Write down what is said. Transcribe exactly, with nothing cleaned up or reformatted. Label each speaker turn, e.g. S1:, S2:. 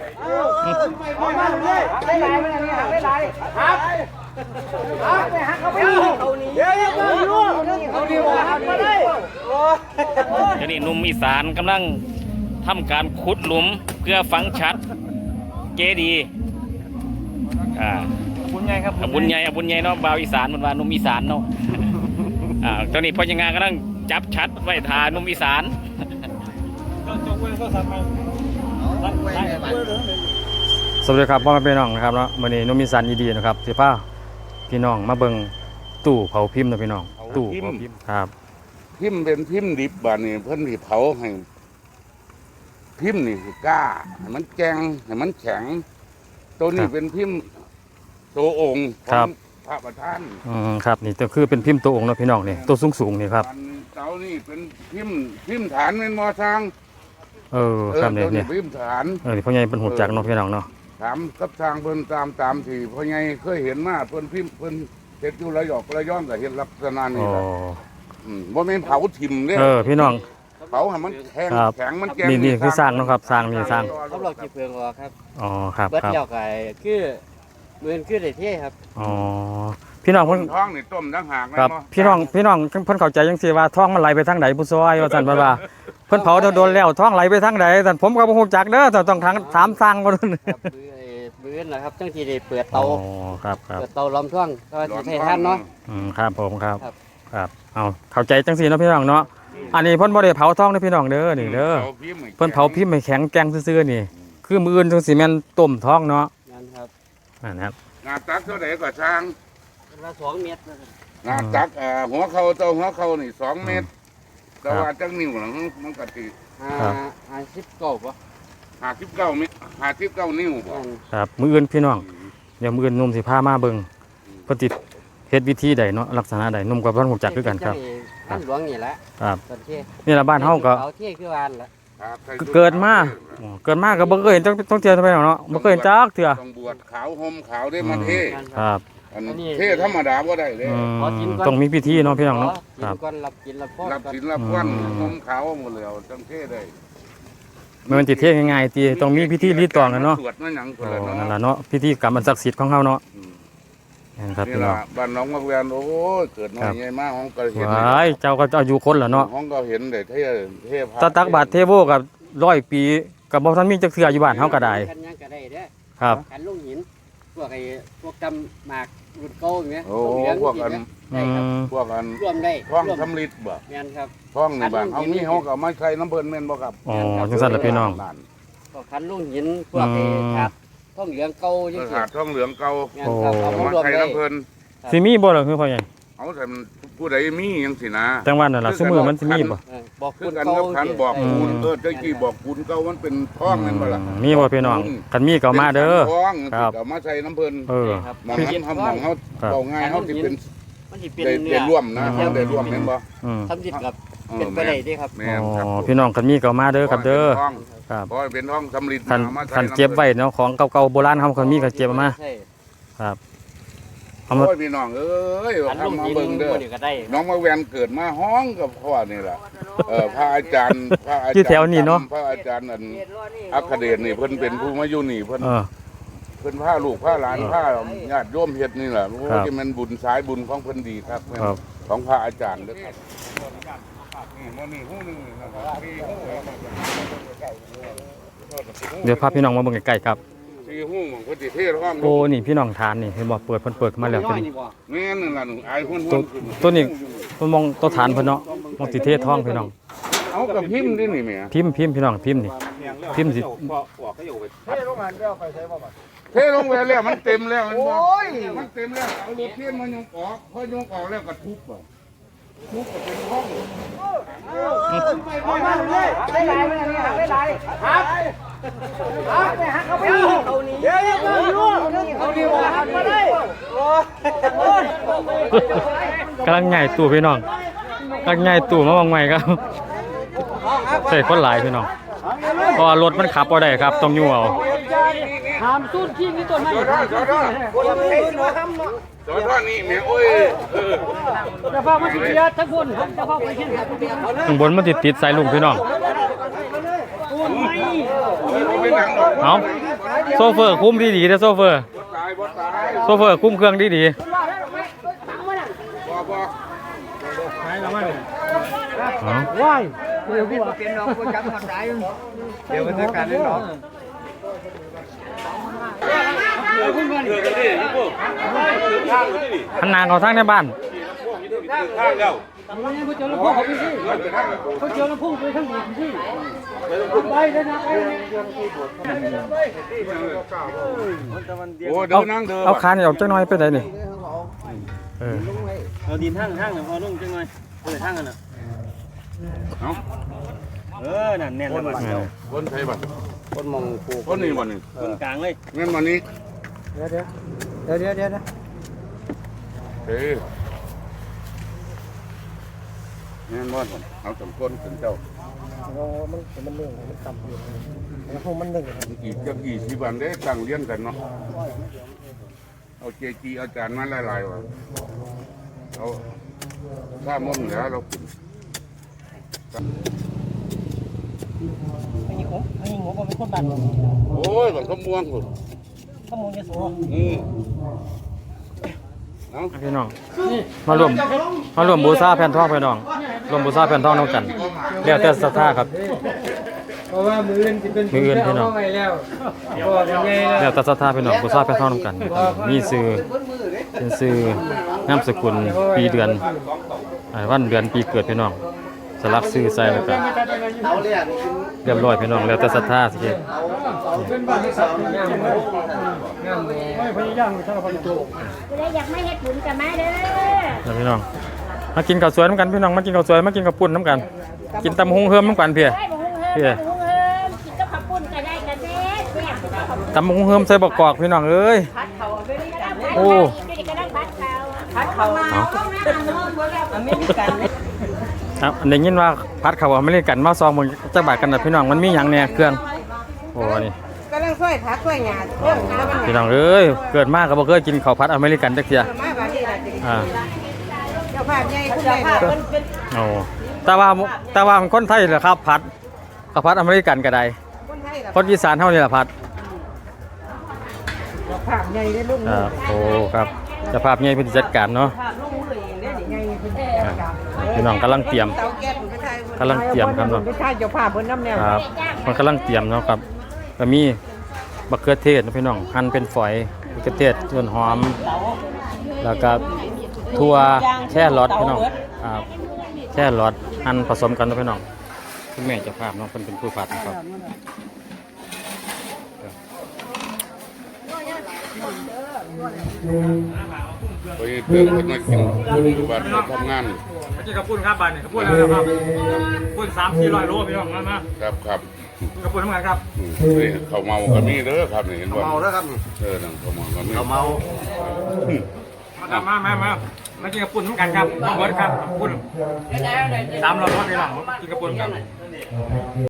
S1: เอามาเลยได้ลายมันนี่หักได้ลายหักหักไปหักเขาไปเขาหนีเดี๋ยวเดี๋ยวเขาดีว่าหักมาได้
S2: เดี๋ยวนี้หนุ่มอีสานกำลังทำการขุดหลุมเพื่อฝังชัดเจดีย์อ่าบุญใหญ่ครับบุญใหญ่บุญใหญ่เนาะบ่าวอีสานมันว่าหนุ่มอีสานเนาะอ่าตอนนี้พ่อยังงานกำลังจับชัดไว้ทาหนุ่มอีสานสวัสดีครับพ่อแม่พี่น้องนะครับเนาะวันนี้หนุ่มอีสานดีๆนะครับสิพาพี่น้องมาเบิ่งตู้เผาพิมพ์นะพี่น้องตู้เผาพิมพ์ครับ
S3: พิมพ์เป็นพิมพ์ดิบบานนี่เพิ่นที่เผาให้พิมพ์นี่กล้าให้มันแกงให้มันแข็งตัวนี้เป็นพิมพ์ตัวองค์ของพระประธาน
S2: อืมครับนี่ก็คือเป็นพิมพ์ตัวองค์นะพี่น้องนี่ตัวสูงๆนี่ครับ
S3: เสานี่เป็นพิมพ์พิมพ์ฐานเป็นมอสร้าง
S2: เออครับเนี่ยเนี่ย
S3: พิมพ์ฐาน
S2: เออพ่อใหญ่เป็นหูจักเนาะพี่น้องเนาะ
S3: ถามกับทางเพิ่นตามตามที่พ่อใหญ่เคยเห็นมาเพิ่นพิมพ์เพิ่นเฮ็ดอยู่ระยองระยองก็เห็นลักษณะนี้แหละอืมบ่แม่นเผาถิ่มเด้
S2: เออพี่น้อง
S3: เผาให้มันแข็งแข็งมันแก่
S2: นี่นี่คือสร้างเนาะครับสร้างนี่สร้าง
S1: เขาหลอกจีเพืองอครับ
S2: อ๋อครับ
S1: เบิดเดี่ยวไก่คือเหมือนคือได้เท่ครับ
S2: อ๋อพี่น้องเพิ่น
S3: ท้องนี่ต้มทั้งหาง
S2: ครับพี่น้องพี่น้องเพิ่นเข้าใจจังซี่ว่าท้องมันไหลไปทางไหนผู้ซอยว่าซั่นเพิ่นว่าเพิ่นเผาโดนแล้วท้องไหลไปทางไหนซั่นผมก็บ่ฮู้จักเด้อต้องทางถามสร้างบ่นั่น
S1: ครับมื้อนะครับจังที่ได้เปิดเตา
S2: อ๋อครับครับ
S1: เปิดเตาล้อมท่วงก็สิใช้ท่านเนาะ
S2: อืมครับผมครับครับเอาเข้าใจจังซี่เนาะพี่น้องเนาะอันนี้เพิ่นบ่ได้เผาท้องเด้อพี่น้องเด้อนี่เด้อเพิ่นเผาพิมพ์ให้แข็งแกร่งซื่อๆนี่คือมื้ออื่นจังสิแม่นต้มท้องเนาะ
S1: นั่นครับ
S2: นั่นครับ
S3: หน้าตักเท่าใดก็ช่าง
S1: ละสองเมตร
S3: หน้าตักเอ่อหัวเข่าเต้าหัวเข่านี่สองเมตรแต่ว่าจังนิ้วหลังมันก็สิ
S1: ห้าสิบเก้าบ่
S3: ห้าสิบเก้าเมตรห้าสิบเก้านิ้วบ่
S2: ครับมื้ออื่นพี่น้องเดี๋ยวมื้ออื่นนุ่มสิพามาเบิ่งเพิ่นสิเฮ็ดวิธีใดเนาะลักษณะใดนุ่มกับเพิ่นฮู้จักคือกันครับ
S1: บ้านหลวงนี่แหละ
S2: ครับนี่ล่ะบ้านเฮาก็
S1: เผาเท่คือบ้านล่ะ
S2: เกิดมาเกิดมาก็บ่เคยเห็นต้องเที่ยวไปเนาะบ่เคยเห็นจักเทื่อ
S3: ต้องบวชขาวห่มขาวได้มาเท
S2: ครับ
S3: อันเทธรรมดาบ่ได้เลย
S2: ต้องมีพิธีเนาะพี่น้องเนาะ
S1: ครับก่อนรับกินรับพร
S3: รับกินรับพรห่มขาวหมดแล้วต้องเทได้
S2: มันสิเทง่ายๆติต้องมีพิธีรีตองกันเนาะ
S3: สวดมาหยังพุ่นล่ะ
S2: เนาะนั่นล่ะเนาะพิธีกรรมอันศักดิ์สิทธิ์ของเฮาเนาะ
S3: นี่ครับพี่น้องบ้านน้องมะแวนโอ้ยเกิดน้อยใหญ่มากของก็เห็น
S2: ว้ายเจ้าก็อายุคนล่ะเนาะ
S3: ของก็เห็นได้เทเทพ
S2: ตะตักบาทเทโวกับร้อยปีก็บ่ทันมีจักเทื่ออยู่บ้านเฮาก็ได้ครับ
S1: กันลงหินพวกไอ้พวกกำหมากรุ่นเก่าอย่างเงี้ย
S3: โอ้พวกอันพวกอัน
S1: รวมได้
S3: ท้องสำลิดบ่
S1: แม่นครับ
S3: ท้องนี่บ้านเฮามีเฮาก็มาใช้น้ำเพิ่นแม่นบ่ครับ
S2: อ๋อจังซั่นล่ะพี่น้อง
S1: พวกคันลงหินพวกไอ้ถาดท้องเหลืองเก่าจังซี่
S3: ถาดท้องเหลืองเก่า
S2: โอ้
S3: มาใช้น้ำเพิ่น
S2: สิมีบ่ล่ะคือพ่อใหญ่
S3: เอาแต่ผู้ใดมีจังซี่นะ
S2: จังหวัดนั่นล่ะซุมื้อมันสิมีบ่
S1: บอกคุณ
S3: กันกับคันบอกคุณเออตะกี้บอกคุณเก่ามันเป็นท้องนั่นบ่ล่ะ
S2: มีบ่พี่น้องคันมีก็มาเด้อ
S3: ครับเอามาใช้น้ำเพิ่น
S2: เออ
S3: มองเฮาเฮาเฮาเอาง่ายเฮาสิเป็น
S1: มันสิเป็นเนื้อ
S3: ร่วมนะได้ร่วมแม่นบ่
S1: อืมทำจิตกับเป็นไปได้เด้ครับ
S3: แม่นครับ
S2: อ๋อพี่น้องคันมีก็มาเด้อครับเด้อ
S3: ครับเพราะเป็นท้องสำลิด
S2: คันคันเก็บไว้เนาะของเก่าๆโบราณเฮาคันมีก็เก็บมาครับ
S3: เอามาพี่น้องเอ้ยทำมาเบิ่งเด้อน้องมาแวนเกิดมาห้องกับพ่อนี่แหละเออพระอาจารย์พระอาจารย์ที่
S2: แถวนี้เนาะ
S3: พระอาจารย์อันอัคเดชนี่เพิ่นเป็นผู้มาอยู่นี่เพิ่นเพิ่นพาลูกพาหลานพาญาติโยมเฮ็ดนี่แหละโอ้ที่มันบุญสายบุญของเพิ่นดีครับของพระอาจารย์เด้อครับนี่มื้อนี้ฮู้นึงนะครับ
S2: เดี๋ยวพาพี่น้องมาเบิ่งใกล้ๆครับ
S3: สี่หู้ของเพิ่นสิเทท้อง
S2: โอ้นี่พี่น้องทานนี่เห็นบ่เปิดเพิ่นเปิดมาแล้วตัวนี้
S3: แม่นนั่นล่ะหนูอายหุ่น
S2: ๆตัวนี้เพิ่นมองตัวฐานเพิ่นเนาะมองสิเทท้องพี่น้อง
S3: เอากับพิมพ์ดินี่แม่
S2: พิมพ์พิมพ์พี่น้องพิมพ์นี่พิมพ์สิ
S3: เทลงมาแล้วไปใช้บ่เทลงไปแล้วมันเต็มแล้วมันบ่โอ้ยมันเต็มแล้วเอารถเทียนมายกออกพอยกออกแล้วก็ทุบบ่ทุบก็เป็นห้อง
S1: เอามาเลยได้ลายมันนี่หักได้ลายหักหักไปหักเขาไปเขาหนีเดี๋ยวเดี๋ยวเขาดีว่าหักมาได้โอ้ย
S2: กำลังใหญ่ตู่พี่น้องกำลังใหญ่ตู่มาวางใหม่ครับใส่คนหลายพี่น้องเพราะรถมันขับบ่ได้ครับต้องยู่เอา
S1: หามตุ้นขี้นี่ต้นไม้
S3: จอดจอดจอดจอดนี่แม่โอ้ย
S1: จะพามาสิเดียทั้งคนจะพาไปเช่นกัน
S2: ข้างบนมันติดติดสายลุงพี่น้องเอาโซเฟอร์คุ้มดีๆนะโซเฟอร์โซเฟอร์คุ้มเครื่องดีๆเอา
S1: ว้ายเดี๋ยวพี่เป็นน้องกูจำทำได้เดี๋ยวมันจะการเล่นน้อง
S2: หันหน้าเขาทางในบ้าน
S3: ข้างเดียว
S1: เขาเจอแล้วพุ่งเขาไปที่เขาเจอแล้วพุ่งไปทั้งหมดที่ไปเลยนะไป
S3: โอ้เดิ
S2: เอา
S3: นนั่งเดิน
S2: เอาคานออกจังน้อยไปไหนนี่เออ
S1: เอาดินทั้งทั้งหนึ่งพอลุ่งจังเลยเปิดทั้งกันอ่ะ
S3: เอา
S1: เออนั่นแน่นเลย
S3: คนไทยบ้าน
S1: คนมองปู
S3: คนนี้บ้านนี่
S1: คนกลางเลย
S3: งั้นวันนี้
S1: เดี๋ยวเดี๋ยวเดี๋ยวเดี๋ยวเดี๋ยว
S3: เฮ้ยงั้นบ้านเอาสองคนเป็นเจ้า
S1: มันมันหนึ่งมันต่ำอยู่แล้วพวกมันหนึ่ง
S3: กี่จะกี่สิบวันได้ตั้งเลี้ยงกันเนาะเอาเจจีอาจารย์มาหลายๆว่ะเอาข้ามมุ่งเหนือเรากิน
S1: ไอ้หงไอ้หงก็เป็นคนบ้าน
S3: โอ้ยบังขม่วงคุณ
S1: ข้อมูลเยอะสูง
S3: อืมเอา
S2: พี่น้องมารวมมารวมบูชาแผ่นทองพี่น้องรวมบูชาแผ่นทองน้องกันแล้วแต่ศรัทธาครับ
S1: เพราะว่ามืออื่นจะเป็น
S2: มืออื่นพี่น้อง
S1: ไงแล้วก็ยังไง
S2: แล้วแต่ศรัทธาพี่น้องบูชาแผ่นทองน้องกันมีชื่อเป็นชื่อนามสกุลปีเดือนอ่าวันเดือนปีเกิดพี่น้องสลักชื่อใส่แล้วก็เรียบร้อยพี่น้องแล้วแต่ศรัทธาสิเฮ็ด
S1: เป็นบ้านที่สัตว์งามเลยงามเลยไม่พยายามถ้าเราพยายาม
S4: จะได้อยากไม่เฮ็ดบุญกับแม่เด้อ
S2: แล้วพี่น้องมากินข้าวสวยน้ำกันพี่น้องมากินข้าวสวยมากินข้าวปุ้นน้ำกัน กินตำฮงเฮิมน้ำกันเพี่ย
S4: ได้บ่ฮุ้งเฮิมบ่ฮุ้งเฮิมกินกับข้าวปุ้นก็ได้กันแท้แซ่บกับข้าวปุ้น
S2: ตำฮงเฮิมใส่บกกอกพี่น้องเอ้ย
S4: ผัดเขาไปเลยก็ได้
S2: โอ้
S4: ก็ได้ผัดเขาผัดเขามา
S2: อเมริกันครับอันนี้ยินว่าพัดเขาอเมริกันมาซองมึงจะบาดกันนะพี่น้องมันมีหยังเนี่ยเครื่องโอ้นี่
S5: กำลังช่วยผักช่วยหยาเรื่องน้ำมัน
S2: พี่น้องเอ้ยเกิดมากก็บ่เคยกินข้าวผัดอเมริกันจักเทีย
S5: มาบาดนี้ล่ะจริง
S2: อ่า
S5: เจ้าภาพใหญ่คุณใหญ่เป็น
S2: โอ้แต่ว่าแต่ว่ามันคนไทยเหรอครับผัดข้าวผัดอเมริกันก็ได้
S5: คนไทยล่ะ
S2: คนอีสานเฮานี่ล่ะผัด
S5: เจ้าภาพใหญ่ได้ลุง
S2: ครับโอ้ครับเจะภาพใหญ่เพิ่นจัดการเนาะ
S5: ภาพลุงมือเองได้ใหญ่เป็น
S2: ครับพี่น้องกำลังเตรียม
S5: เตาแก๊สไปไทย
S2: กำลังเตรียมครับเนาะ
S5: ไปไทยเจ้าภาพเพิ่นน้ำแนว
S2: ครับมันกำลังเตรียมเนาะครับก็มีบักเขือเทศนะพี่น้องหั่นเป็นฝอยบักเขือเทศส่วนหอม แล้วก็ถั่วแช่รสพี่น้องครับแช่รสหั่นผสมกันนะพี่น้องคุณแม่เจ้าภาพเนาะเพิ่นเป็นผู้ผัดนะครับ
S3: ไปเติมคนมากินอยู่บ้านไปทำงาน
S2: มากินกับปุ้นครับบ้านนี่กับปุ้นแล้วครับปุ้นสามสี่ร้อยโลพี่น้องมามา
S3: ครับครับ
S2: กับปุ้นทำงานครับ
S3: อืมนี่เขาเมาก็มีเด้อครับนี่เห็นบ่
S1: เมาแล้วครับ
S3: เออนั่นเขาเมาก็มี
S1: เราเมา
S2: มามามามามากินกับปุ้นทำกันครับมาเบิร์ดครับปุ้นสามร้อยโลพี่น้องกินกับปุ้นกัน